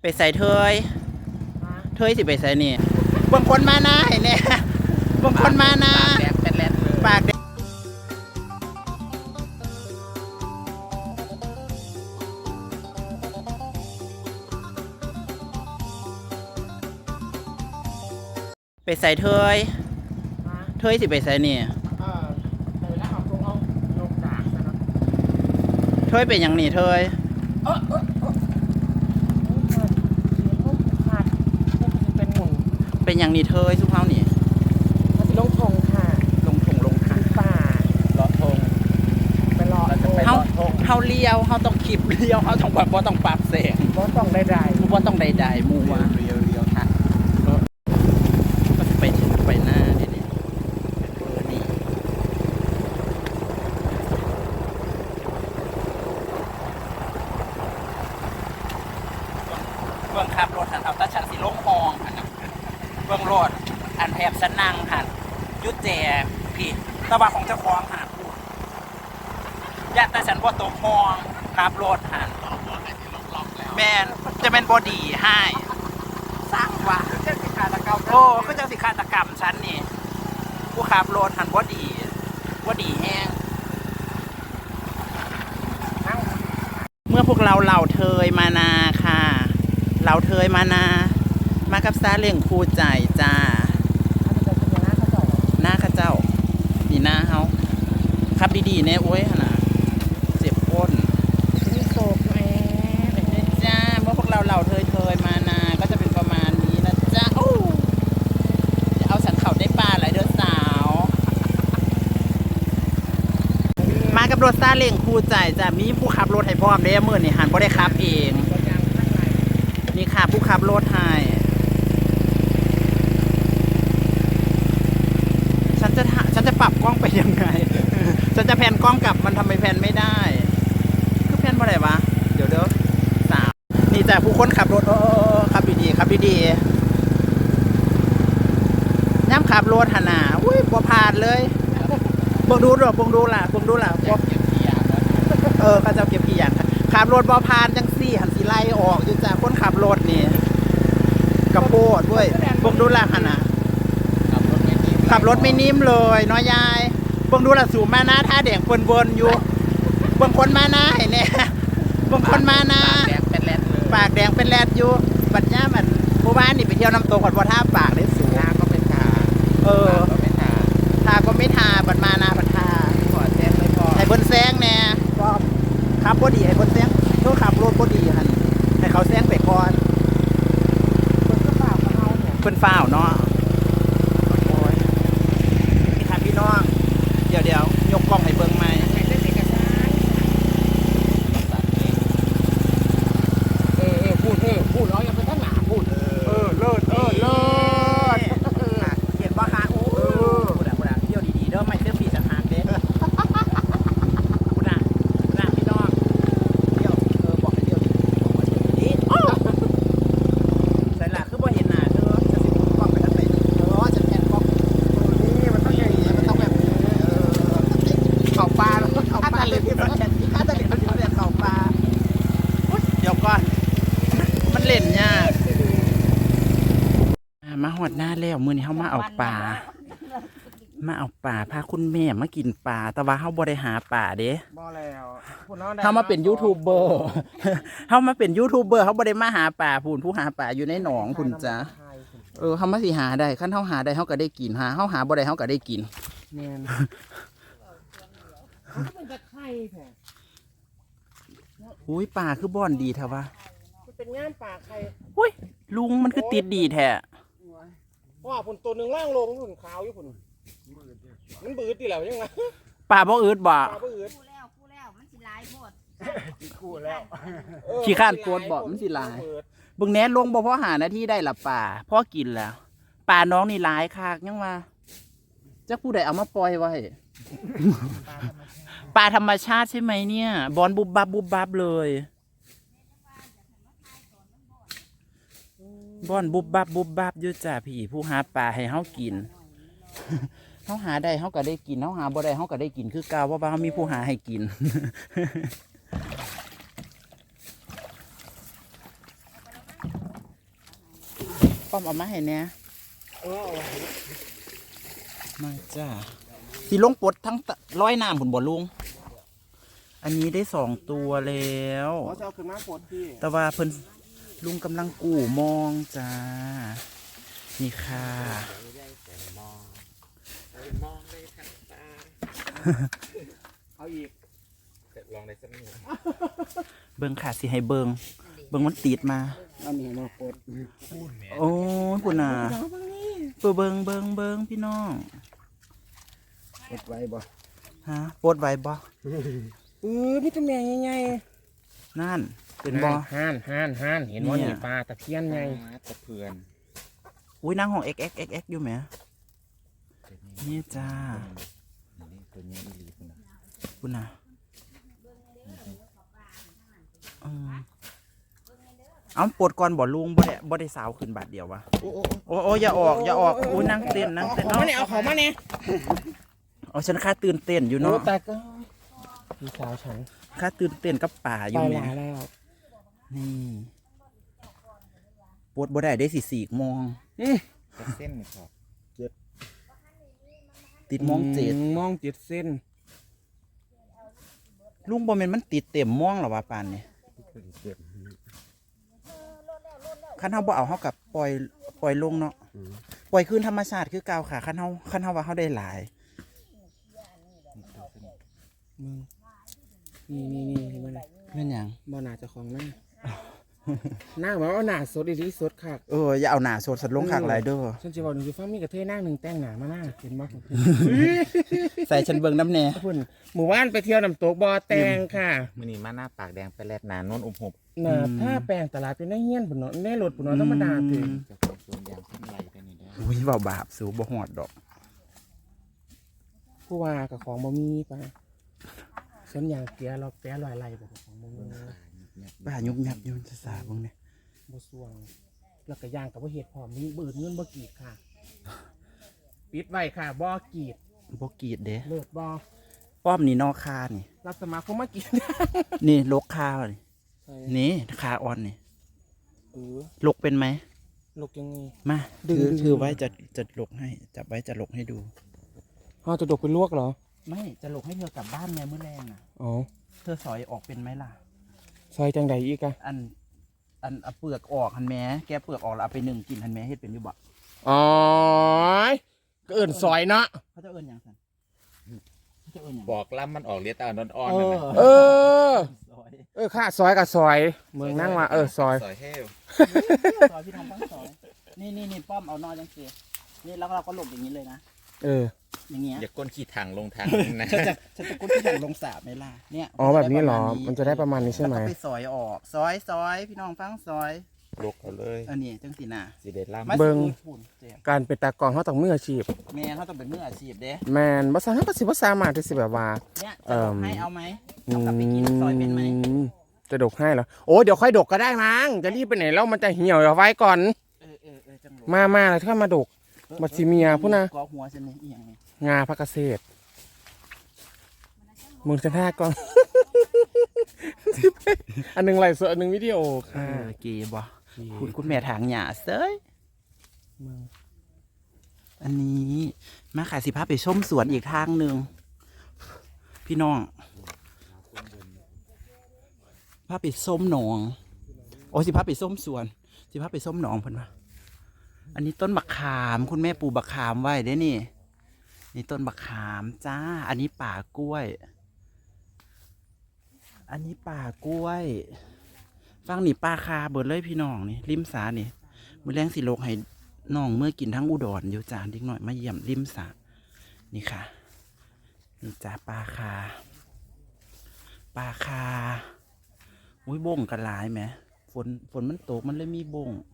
ไปใส่เทยสิไปใส่นี่บางคนมานะเห็นเนี่ยบางคนมานะปากแดงไปใส่เทยสิไปใส่นี่เทยเป็นอย่างนี้เทยเป็นอย่างนี้เทยสุภาพนี่ลงทงค่ะลงทางป่าเลาะทงไปเลาะเฮาเลี้ยวเฮาต้องขีบเลี้ยวเฮาต้องแบบบ่ต้องปรับแสงบ่ต้องใดบ่ต้องใดๆมูว่าเลี้ยวค่ะก็จะไปหน้านี่นี่เบื้องขับรถหันเอาตาชันสิลงห้องหันนะเบื้องรถอันแถบสนั่งหันยุดแจพี่ตะวันของเจ้าของหันญาติตาฉันว่าตกห้องขับรถหันแมนจะเป็นบอดีให้สร้างว่าเจ้าสิขาตะเกาโอ้ก็จะสิฆาตกรรมฉันนี่ผู้ขับรถหันบอดีแห้งเมื่อพวกเราเหล่าเทยมานาค่ะเหล่าเทยมานามากับซาเลี้ยงครูใจจ้าหน้าข้าเจ้านี่หน้าเฮาขับดีๆเนี่ยโอ้ยนะเจ็บก้นมีโศกแม่จ้าเมื่อพวกเราเหล่าเทยมานาก็จะเป็นประมาณนี้นะจ้าโอ้จะเอาสันเข่าได้ปลาหลายเดือนสาวมากับรถซาเล้งคู่ใจจ้ะมีผู้ขับรถให้พร้อมเด้มื้อนี่หันบ่ได้ขับเองนี่ค่ะผู้ขับรถให้ฉันจะปรับกล้องไปยังไง ฉันจะแพนกล้องกลับมันทำไมแพนไม่ได้คือแพนบ่ได้วะเดี๋ยวสาวนี่จ้ะผู้คนขับรถขับดีย่ำขับรถหันหน้าอุ้ยบ่ผ่านเลยบ่ดูล่ะเขาจะเก็บกี่อย่างขับรถบ่ผ่านจังซี่หันสิไล่ออกอยู่จ้ะคนขับรถนี่กระโปดด้วยบ่ดูล่ะหันน่ะขับรถไม่นิ่มเลยน้อยยายบ่ดูล่ะสูงมานะท่าแดงวนๆอยู่บางคนมานะเห็นเนี่ยบางคนมานะปากแดงเป็นแรดอยู่บัดย่ามันหมู่บ้านนี่ไปเที่ยวน้ำตกบ่ท่าปากได้สูงทาก็เป็นทาทาก็ไม่ทาบัดมานาบัดทาขอแซงไม่พอให้เพิ่นแซงแน่ก็ขับบ่ดีให้เพิ่นแซงโทษขับรถบ่ดีหั่นให้เขาแซงไปก่อนเพิ่นฟ้าวเนาะโอ้ยนี่ค่ะพี่น้องเดี๋ยวยกกล้องให้เบิ่งใหม่พูดร้อยยังเป็นทั้งหนาพูดเลิศเห็นบ่คะโอ้พูดอ่ะเที่ยวดีๆเด้อไม่เสื้อผีสังหารเด้พูดอ่ะพี่น้องเที่ยวบอกให้เที่ยวดีใส่หลักคือบ่เห็นหน้าเด้อจะสิกล้องไปทางไหนจะแพนกล้องนี่มันต้องอย่างนี้มันต้องแบบเข่าปลาแล้วเข่าปลาเลยพี่มันถ้าจะเล่นเข่าปลาเดี๋ยวก่อนมันเล่นยากมาหอดหน้าแล้วมื้อนี้เฮามาเอาปลาพาคุณแม่มากินปลาแต่ว่าเฮาบ่ได้หาปลาเด้บ่แล้วเฮามาเป็นยูทูบเบอร์เฮาบ่ได้มาหาปลาผู้หาปลาอยู่ในหนองพุ่นจ้ะเฮามาสิหาได้คันเฮาหาได้เฮาก็ได้กินเฮาหาบ่ได้เฮาก็ได้กินแม่นเขาเป็นตะไคร้แท้อุ้ยปลาคือบ่อนดีแท้วะเป็นงานป่าไข่อุ้ยลุงมันคือติดดีแท้ว่าผลตัวหนึ่งล่างลงผลขาวอยู่ผลมันบืดตีแล้วยังไงปลาบ่อืดบ่คู่แล้วมันสิลายหมดคู่แล้วขี้ข้านโกดบ่มันสิลายเบิ่งแหน่ลงบ่พอหานาทีได้ละปลาพอกินแล้วปลาน้องนี่หลายคักยังว่าจักผู้ใดเอามาปล่อยไว้ปลาธรรมชาติใช่ไหมเนี่ยบอนบุบบับเลยบอนบุบบับอยู่จ้ะพี่ผู้หาปลาให้เฮากินเฮาหาได้เฮาก็ได้กินเฮาหาบ่ได้เฮาก็ได้กินคือเก่าว่าเฮามีผู้หาให้กินป้อมเอามาให้แน่เออมาจ้าสิลงปลดทั้งร้อยน้ำผุนบ่ลุงอันนี้ได้2 ตัวแล้วเขาจะเอาขึ้นมาปลดพี่แต่ว่าเพิ่นลุงกำลังกู่มองจ้านี่ค่ะเอาอีกลองได้สักนิดเบิ่งค่ะสิให้เบิ่งมันติดมาอันนี้มาปลดโอ้ยปุ่นน่ะเบิ่งพี่น้องปลดไว้บ่ฮะปลดไว้บ่พี่ตะแมงใหญ่นั่นๆเป็นบ่ห่านเห็นว่าเนี่ยนี่ปลาตะเพียนไงตะเพื่อนอุ้ยนางของ XXXX อยู่ไหมนี่จ้านี่ตัวนี้อีหลีคุณนะปุ่นน่ะเอาปลดก่อนบ่ลุงบ่ได้สาวขึ้นบาทเดียววะโอ้โอ้อย่าออกอุ้ยนั่งเต้นเขามาเนี่ยเอาเขามาเนี่ยอ๋อฉันค่าตื่นเต้นอยู่เนาะแต่ก็พี่สาวฉันค่าตื่นเต้นกับป่าอไปยู่แหมหลายแล้วนี่ปวดบ่ได้ได้4 โมงจะเส้นนี่ครับติดโมง7 มองเจ็ดเส้นลุงบ่แม่นมันติดเต็มโมงหรอวะปานนี่คันเฮาบ่เอาเฮากับปล่อยลงเนาะปล่อยคืนธรรมชาติคือเก่าค่ะคันเฮาว่าเฮาได้หลายนี่เห็นไหมล่ะแม่นหยังบ่หนาเจะของหน้าหน้าแบบว่าหนาสดอีที่สดค่ะอย่าเอาหน้าสดลงข้างหลายเด้อฉันจะบอกหนึ่งคือฟ้ามีกระเทยนั่งหนึ่งแต่งหนามาหน้าเห็นบ่ใส่ฉันเบิ่งน้ำแน่พุ่นหมู่บ้านไปเที่ยวน้ำตกบ่อแตงค่ะมือนี้มาหน้าปากแดงไปแลดหนาโน้นอบหบหนาถ้าแปลงตลาดเป็นได้เงี้ยนปุ่นเนาะได้รถปุ่นเนาะธรรมดาถึงจะเป็นส่วนยางขึ้นไหลไปนี่ได้อุ้ยเว้าบาปสูบ่ฮอดดอกผู้ว่ากับของบ่มีปะส่วนอย่างเกียร์เราแปะลอยไหลบ่ของบ่มีบ้ายุบยับอยู่จะสาเบิ่งแน่บ่ส่วงแล้วก็ย่างกับบ่เฮ็ดพร้อมมีบืดเงินบ่กีดค่ะ ปิดไว้ค่ะบ่กีดบ่กรีดเด้เลิศบ่ป้อมนี่นอกคานี่รับสมัครคงมากีดนี่ลกคานี่นี่คาอ่อนนี่ลกเป็นไหมลูกยังไงมาดึงถือไว้จะลกให้จับไว้จะลกให้ดูเฮาจะดกเป็นลวกเหรอไม่จะลกให้เธอกลับบ้านไงมื้อแรงอ่ะอ๋อเธอสอยออกเป็นไหมล่ะซอยจังใดอีกอะอันเอาเปลือกออกหันแม้แกเปลือกออกแล้วเอาไปนึ่งกินหันแม้เฮ็ดเป็นอยู่บ่อ๋อก็เอิ้นซอยเนาะเขาจะเอิ้นหยังซั่นเขาจะเอิ้นหยังบอกล่ำมันออกเลียตาอ่อนๆนั่นนะเออซอยค่ะซอยกับซอยเมืองนั่งว่าซอยซอยเฮลซอยพี่ทำตั้งซอยนี่ป้อมเอานอจังซี่นี่แล้วเราก็หลบอย่างนี้เลยนะ อย่างเงี้ยอย่าก้นขี้ถังลงทางนะฉันจะกุ้นที่อย่างลงสาบไหมล่ะเนี่ยอ๋อแบบนี้เหรอมันจะได้ประมาณนี้ใช่ไหมแล้วก็ไปซอยออกซอยพี่น้องฟังซอยลกเอาเลยอันนี้จังสีน่ะสิเด็ดล่ำมาเบิ่งสิปุ่นเจ็บการเป็นตากล้องเขาต้องมืออาชีพแม่เขาต้องเป็นมืออาชีพเด้แมนภาษาเขาก็สิภาษามารถที่สิแบบว่าเนี่ยจะลงให้เอาไหมเอากลับไปกินซอยเป็นไหมจะดกให้เหรอโอ้เดี๋ยวค่อยดกก็ได้มั้งจะรีบไปไหนแล้วมันจะเหี่ยวเอาไว้ก่อนจังหวะมาแล้วถ้ามาดก บัดสิเมียพุ่นน่ะกอหัวฉันนี่อีหยังนี่งาพักเกษตรมึงจะท่ากล้อง อันหนึงไลฟ์สดอันหนึงวิดีโอค่ะเกีบ่คุณแม่ถางหญ้าเซ้ยมึงอันนี้มาขายสิพาไปชมสวนอีกทางหนึ่งพี่น้องพาไปส้มหนองโอ้สิพาไปส้มสวนสิพาไปส้มหนองเพิ่นว่าอันนี้ต้นบักขามคุณแม่ปลูกบักขามไว้เด้นี่นี่ต้นบักขามจ้าอันนี้ป่ากล้วย อันนี้ป่ากล้วยฟังนี่ป่าคาเบิดเลยพี่น้องนี่ริมสานี่มื้อแรงสิโลกให้น้องเมื่อกินทั้งอุดรอยู่จานเด็กหน่อยมาเยี่ยมริมสานี่ค่ะนี่จ้าป่าคาอุ้ยบ่งกันหลายไหมฝนมันตกมันเลยมีบ่ง